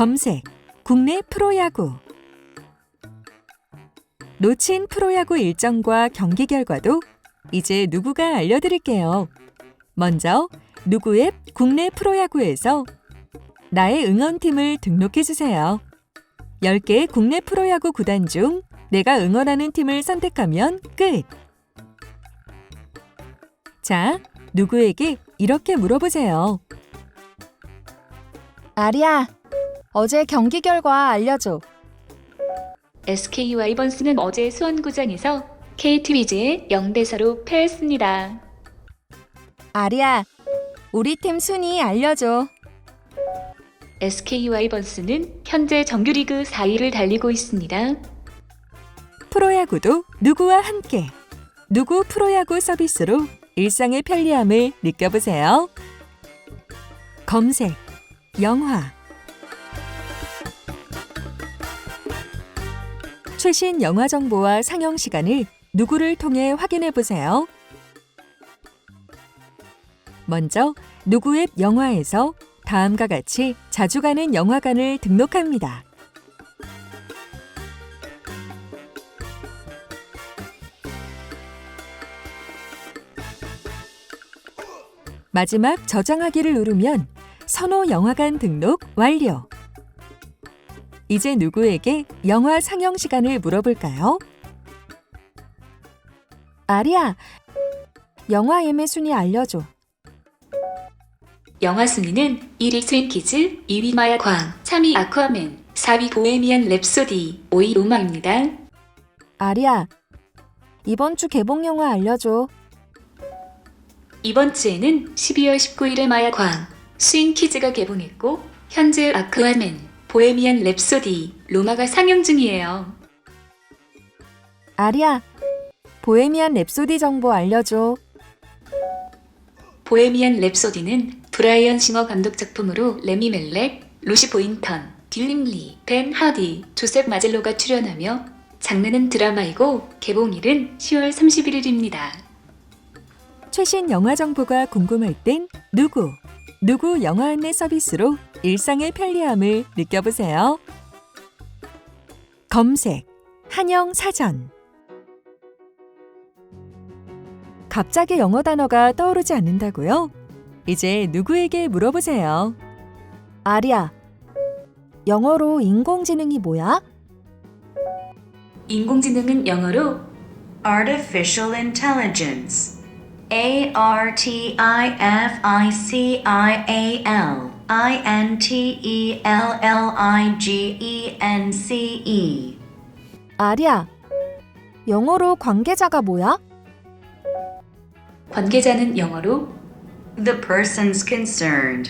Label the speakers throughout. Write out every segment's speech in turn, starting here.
Speaker 1: 검색, 국내 프로야구. 놓친 프로야구 일정과 경기 결과도 이제 누구가 알려드릴게요. 먼저 누구 앱 국내 프로야구에서 나의 응원팀을 등록해주세요. 10개의 국내 프로야구 구단 중 내가 응원하는 팀을 선택하면 끝! 자, 누구에게 이렇게 물어보세요.
Speaker 2: 아리야, 어제 경기 결과 알려줘.
Speaker 3: SK 와이번스는 어제 수원구장에서 KT 위즈에 0대4로 패했습니다.
Speaker 2: 아리야, 우리 팀 순위 알려줘.
Speaker 3: SK 와이번스는 현재 정규리그 4위를 달리고 있습니다.
Speaker 1: 프로야구도 누구와 함께. 누구 프로야구 서비스로 일상의 편리함을 느껴보세요. 검색, 영화. 최신 영화 정보와 상영 시간을 누구를 통해 확인해 보세요. 먼저 누구 앱 영화에서 다음과 같이 자주 가는 영화관을 등록합니다. 마지막 저장하기를 누르면 선호 영화관 등록 완료. 이제 누구에게 영화 상영 시간을 물어볼까요?
Speaker 2: 아리야, 영화 예매 순위 알려줘.
Speaker 3: 영화 순위는 1위 스윙키즈, 2위 마야광, 3위 아쿠아맨, 4위 보헤미안 랩소디, 5위 로마입니다.
Speaker 2: 아리야, 이번 주 개봉 영화 알려줘.
Speaker 3: 이번 주에는 12월 19일에 마야광, 스윙키즈가 개봉했고 현재 아쿠아맨, 보헤미안 랩소디, 로마가 상영 중이에요.
Speaker 2: 아리야, 보헤미안 랩소디 정보 알려줘.
Speaker 3: 보헤미안 랩소디는 브라이언 싱어 감독 작품으로 레미 멜렉, 루시 보인턴, 딜림 리, 벤 하디, 조셉 마젤로가 출연하며 장르는 드라마이고 개봉일은 10월 31일입니다.
Speaker 1: 최신 영화 정보가 궁금할 땐 누구 영화 안내 서비스로 일상의 편리함을 느껴보세요. 검색, 한영 사전. 갑자기 영어 단어가 떠오르지 않는다고요? 이제 누구에게 물어보세요.
Speaker 2: 아리야, 영어로 인공지능이 뭐야?
Speaker 3: 인공지능은 영어로
Speaker 4: Artificial Intelligence. Artificialintelligence.
Speaker 2: 아리야, 영어로 관계자가 뭐야?
Speaker 3: 관계자는 영어로
Speaker 4: The persons concerned.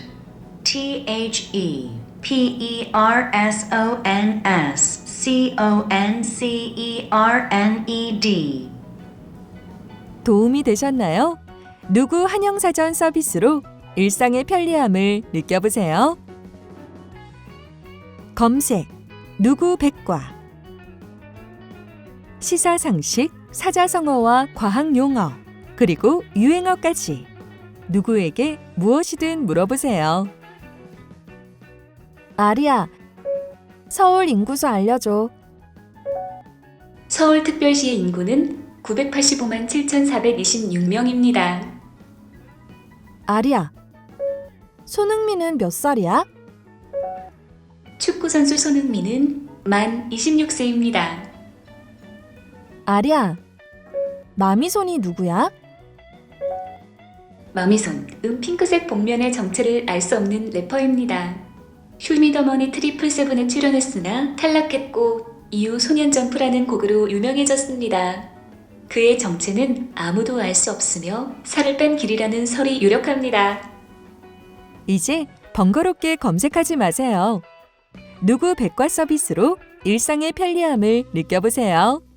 Speaker 4: ThePersonsConcered.
Speaker 1: 도움이 되셨나요? 누구 한영사전 서비스로 일상의 편리함을 느껴보세요. 검색, 누구 백과. 시사상식, 사자성어와 과학용어, 그리고 유행어까지 누구에게 무엇이든 물어보세요.
Speaker 2: 아리야, 서울 인구수 알려줘.
Speaker 3: 서울특별시의 인구는 985만 7,426명입니다.
Speaker 2: 아리야, 손흥민은 몇 살이야?
Speaker 3: 축구선수 손흥민은 만 26세입니다.
Speaker 2: 아리야, 마미손이 누구야?
Speaker 3: 마미손, 핑크색 복면의 정체를 알 수 없는 래퍼입니다. 슈미더머니 트리플세븐에 출연했으나 탈락했고 이후 소년점프라는 곡으로 유명해졌습니다. 그의 정체는 아무도 알 수 없으며 살을 뺀 길이라는 설이 유력합니다.
Speaker 1: 이제 번거롭게 검색하지 마세요. 누구 백과 서비스로 일상의 편리함을 느껴보세요.